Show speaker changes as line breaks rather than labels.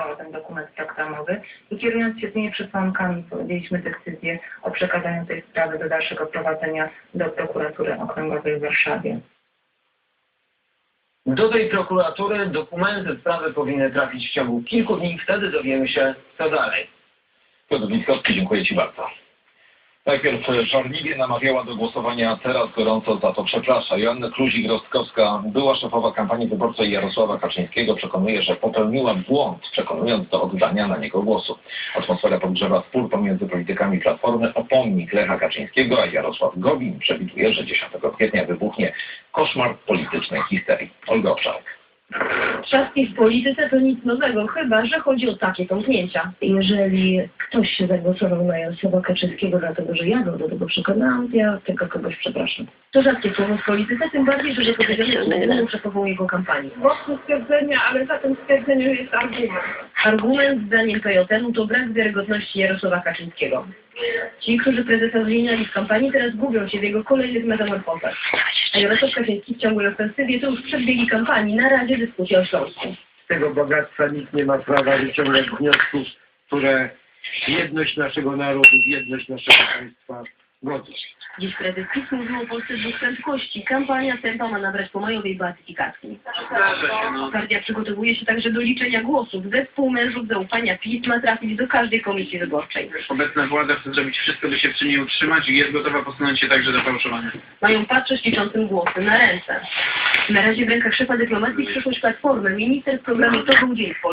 przesłała ten dokument programowy i kierując się tymi przesłankami podjęliśmy decyzję o przekazaniu tej sprawy do dalszego prowadzenia do prokuratury okręgowej w Warszawie.
Do tej prokuratury dokumenty sprawy powinny trafić w ciągu kilku dni. Wtedy dowiemy się, co dalej.
Piotr Witkowski, dziękuję Ci bardzo. Najpierw żarliwie namawiała do głosowania, teraz gorąco za to przeprasza. Joanna Kluzik-Rostkowska, była szefowa kampanii wyborczej Jarosława Kaczyńskiego, przekonuje, że popełniła błąd, przekonując do oddania na niego głosu. Atmosfera podgrzewa spór pomiędzy politykami Platformy o pomnik Lecha Kaczyńskiego, a Jarosław Gowin przewiduje, że 10 kwietnia wybuchnie koszmar politycznej histerii. Olga Obszarek.
Trzaski w polityce to nic nowego, chyba że chodzi o takie tąpnięcia. Jeżeli ktoś się zagłosował na Jarosława Kaczyńskiego dlatego, że ja go do tego przekonałam, ja tego kogoś przepraszam. To rzadkie słowo w polityce, tym bardziej, że powiedziane główną szefową jego kampanii.
Mocne stwierdzenia, ale za tym stwierdzeniem jest argument.
Argument zdaniem PJN-u to brak wiarygodności Jarosława Kaczyńskiego. Ci, którzy prezesa zmieniali w kampanii, teraz gubią się w jego kolejnych metamorfozach. A Jarosław Kaczyński w ciągłej ofensywie to już przedbiegi kampanii, na razie dyskusja o Śląsku.
Z tego bogactwa nikt nie ma prawa wyciągać wniosków, które jedność naszego narodu, jedność naszego państwa godzą.
Dziś prezes PiS mówił o Polsce dwóch prędkości. Kampania tempa ma nabrać pomajowej beatyfikacji. Partia przygotowuje się także do liczenia głosów. Zespół mężów zaufania PiS ma trafić do każdej komisji wyborczej.
Obecna władza chce zrobić wszystko, by się przy niej utrzymać i jest gotowa posunąć się także do fałszowania.
Mają patrzeć liczącym głosy na ręce. Na razie w rękach szefa dyplomacji przyszłość Platformy. Minister w programie To był dzień w Polsce.